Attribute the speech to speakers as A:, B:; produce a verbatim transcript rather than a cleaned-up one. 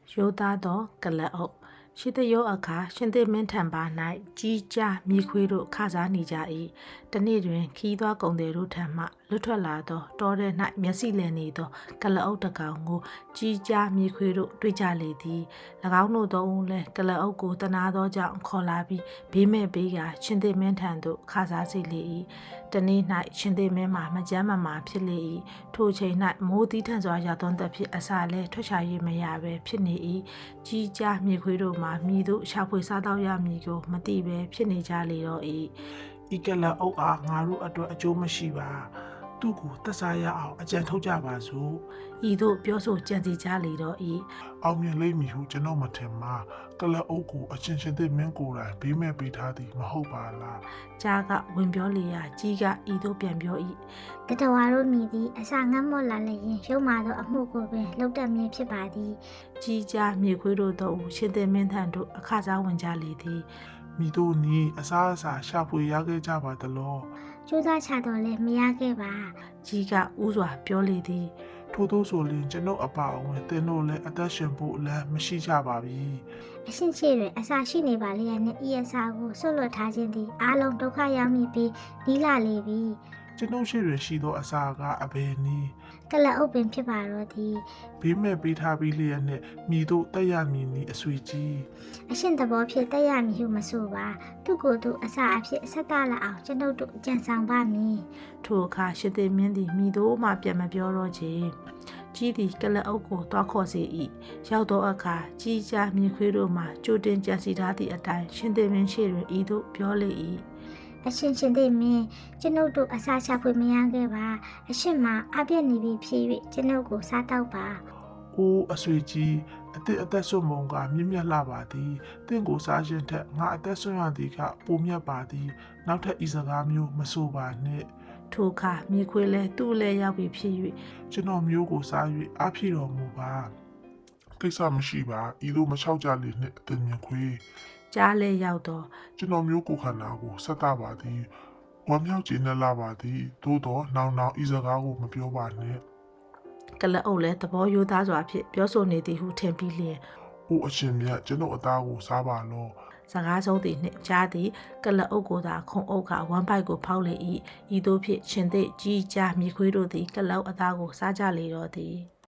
A: ရိုးသားသောကလပ်အုပ်ရှိသယောအခါရှင်သေမင်းထံပါ၌ကြီးကြားမြေခွေးတို့ခစားနေကြ၏တနေ့တွင်ခီးသွားကုန်သည်တို့ထံမှလွတ်ထွက်လာသောတောထဲ၌မျက်စိလည်နေသောကလပ်အုပ်တစ်ကောင်ကိုကြီးကြားမြေခွေးတို့တွေ့ကြလေသည်၎င်းတို့သုံးဦးလည်းကလပ်အုပ်ကိုတနာသောကြောင့်ခေါ်လာပြီးဘေးမဲ့ဘေးကရှင်သေမင်းထံသို့ခစားစေလေ၏တနေ့၌ရှင်သေမင်းမှာမကြမ်းမမာဖြစ်လေ၏ထိုချိန်၌မိုးသီးထန်စွာရောက်သောသက်ဖြစ်အစာလဲထွက်ချ၍မရဘဲဖြစ်နေ၏ကြီးကြားမြေခွေးတို့မှာမြည်တို့ရှာဖွေစားတော့ရမည်ကိုမသိဘဲဖြစ်နေကြလေတော့၏
B: ဤကလအုပ်အားငါတို့အတွက်အကျိုးမရှိပါသူ့ကိုသက်စားရအောင်အကြံထုတ်ကြပါစို့
A: ဤသို့ပြောဆိုကြံစီကြလေတော့၏
B: အောင်မြင်လိမ့်မည်ဟုကျွန်တော်မထင်ပါကလအုပ်ကိုအချင်းချင်းသိမင်းကိုယ်တိုင်ဘေးမဲ့ပေးထားသည်မဟုတ်ပါလား
A: ကြားကဝင်ပြောလေရာကြီးကဤသို့ပြန်ပြော၏
C: တတဝါတို့မြည်သည်အစာငတ်မော့လာလျင်ရုံမာသောအမှုကိုပင်လှုပ်တတ်မြင်ဖြစ်ပါသည်
A: ကြီးကြားမြေခွေးတို့တို့ရှင်သေမင်းထံသို့အခစားဝင်ကြလေသည်
B: မိတို့နီးအစားအစာရှာဖွေရခဲ့ကြပါသလော
C: ကျိုးစားချတော့လဲမရခဲ့ပါ
A: ကြီးကဥစွာပြောလေသည်
B: ထို့သောဆိုရင်ကျွန်ုပ်အပါအဝင်သင်တို့လည်းအသက်ရှင်ဖို့လည်းမရှိကြပါပြီ
C: အရှင်းရှိတွင်အစာရှိနေပါလေရနဲ့ဤအစာကိုဆွတ်လွတ်ထားခြင်းသည်အားလုံးဒုက္ခရောက်မိပြီးနီးလာလေပြီ
B: ကျွန်ုပ်ရှိတွင်ရှိသောအစာကအဘယ်နည်း
C: ကလအုပ်ပင်ဖြစ်ပါတော့သည်
B: ဘေးမဲ့ပေးထားပြီးလျက်နဲ့မိတို့တက်ရမည်နီအဆွေကြီး
C: အရှင်သဘောဖြစ်တက်ရမည်ဟုမဆိုပါသူကိုယ်သူအစာအဖြစ်ဆက်တလာအောင်ကျွန်ုပ်တို့ကြံဆောင်ပါမည်
A: ထိုအခါရှင်သေမင်းသည်မိတို့မှပြန်မပြောတော့ချေကြီးသည်ကလအုပ်ကိုတွားခေါ်စေ၏ရောက်သောအခါကြီးကြားမြေခွေးတို့မှကြိုတင်ကြံစီထားသည့်အတိုင်းရှင်သေမင်းရှိတွင်ဤသို့ပြောလေ၏
C: အရှင်ရှင်သိမင်းကျွန်ုပ်တို့အစာချဖွေမရခဲ့ပါအရှင်မှာအပြည့်နေပြီဖြစ်၍ကျွန်ုပ်ကိုစားတော့ပါ
B: ။အိုးအဆွေကြီးအသက်အသက်ဆွမုံကမြင့်မြတ်လာပါသည်။တင့်ကိုစားခြင်းထက်ငါအသက်ဆွရသည်ကပိုမြတ်ပါသည်။နောက်ထပ်ဤစကားမျိုးမဆိုပါနှင့်
A: ။ထိုအခါမြေခွေးလဲသူ့လဲရောက်ပြီဖြစ်၍
B: ကျွန်တော်မျိုးကိုစား၍အားဖြည့်တော်မူပါ။ကိစ္စမရှိပါ။ဤသို့မလျှောက်ကြလေနှင့်အတင်မြခွေး
A: ကြားလဲရောက်တော့
B: ကျွန်တော်မျိုးကိုခန္ဓာကိုဆက်တာပါသည်ဝမ်းမြောက်ခြင်းနဲ့လာပါသည်သို့တော့နောင်နောင်ဤစကားကိုမပြောပါနဲ့
A: ကလအုပ်လဲသဘောရိုးသားစွာဖြင့်ပြောဆိုနေသည်ဟုထင်ပြီးလျင်
B: အိုအရှင်မြတ်ကျွန်တော်အသားကိုစားပါလော
A: စကားဆုံးသည်နှင့်ကြားသည်ကလအုပ်ကိုသာခုံအုပ်ကဝမ်းပိုက်ကိုဖောက်လေ၏ဤသို့ဖြင့်ရှင်သိကြီးကြားမြေခွေးတို့သည်ကလအုပ်အသားကိုစားကြလေတော့သည်